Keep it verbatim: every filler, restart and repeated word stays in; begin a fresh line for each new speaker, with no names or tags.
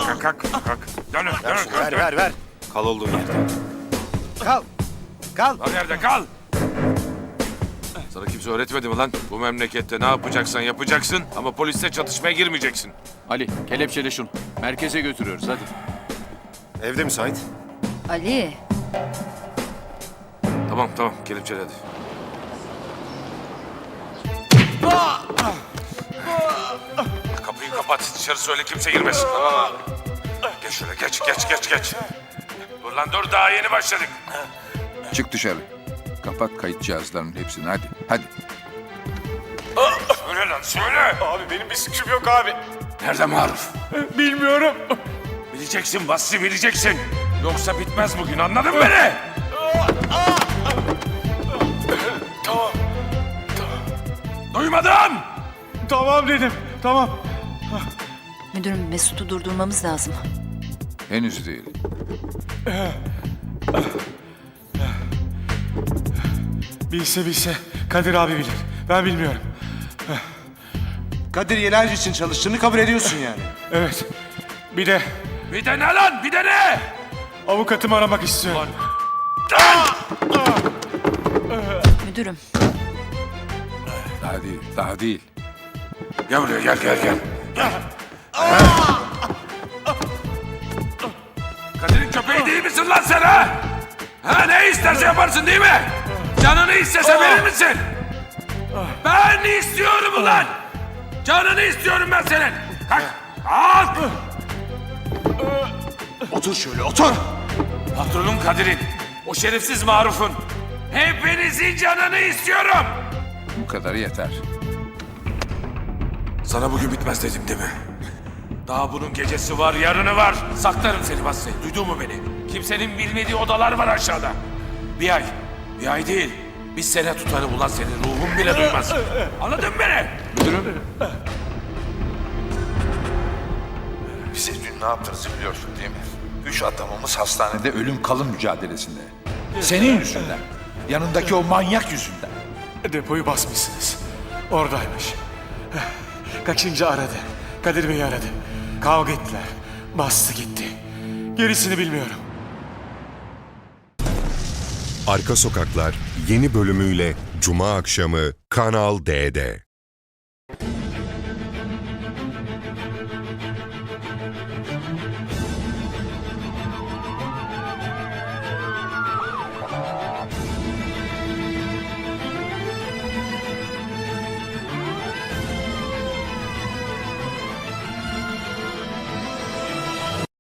Kalk, kalk, kalk. Dönün,
Ver
dönün,
şunu,
kalk,
ver
dön.
ver ver. Kal olduğun yerde. Kal. Kal.
Kal yerde, kal. Sana kimse öğretmedi mi lan? Bu memlekette ne yapacaksan yapacaksın ama polisle çatışmaya girmeyeceksin.
Ali, kelepçele şunu. Merkeze götürüyoruz hadi.
Evde müsait.
Ali,
Tamam, tamam. Kelepçele hadi. Kapıyı kapat. Dışarı söyle kimse girmesin. Tamam abi. Geç şöyle, geç, geç, geç, geç. Dur lan dur, daha yeni başladık.
Çık dışarı. Kapat kayıt cihazlarının hepsini hadi. Hadi.
Söyle lan, söyle.
Abi benim bir suçum yok abi.
Nerede Maruf?
Bilmiyorum.
Bileceksin Basri, bileceksin. Yoksa bitmez bugün, anladın mı beni?
Tamam.
Duymadım.
Tamam dedim. Tamam.
müdürüm Mesut'u durdurmamız lazım.
Henüz değil.
Bilse bilse Kadir abi bilir. Ben bilmiyorum.
Kadir Yelerci için çalıştığını kabul ediyorsun yani.
Evet. Bir de
Bir de ne lan, bir de ne?
avukatımı aramak istiyorum.
Müdürüm,
Daha değil. Daha değil.
Gel buraya, gel, gel, gel. Kadir'in köpeği değil misin lan sen ha? Ha, ne isterse yaparsın değil mi? Canını istese verir misin? Ben istiyorum ulan! Canını istiyorum ben senin! Kalk! Kalk!
Otur şöyle otur.
Patronun Kadir'in, o şerefsiz Maruf'un, hepinizin canını istiyorum!
Bu kadar yeter.
Sana bugün bitmez dedim değil mi? Daha bunun gecesi var, yarını var. Saklarım seni Basri, duydun mu beni? Kimsenin bilmediği odalar var aşağıda. Bir ay, bir ay değil. Bir sene tutarım ulan seni, ruhum bile duymaz. Anladın mı beni?
Müdürüm.
Bize dün ne yaptığınızı biliyorsun değil mi? Üç adamımız hastanede.
De ölüm kalım mücadelesinde. Senin yüzünden. Yanındaki o manyak yüzünden.
Depoyu basmışsınız. Oradaymış. Kaçıncı aradı. Kadir Bey'i aradı. Kavga ettiler. Bastı gitti. Gerisini bilmiyorum.
Arka Sokaklar yeni bölümüyle Cuma akşamı Kanal D'de.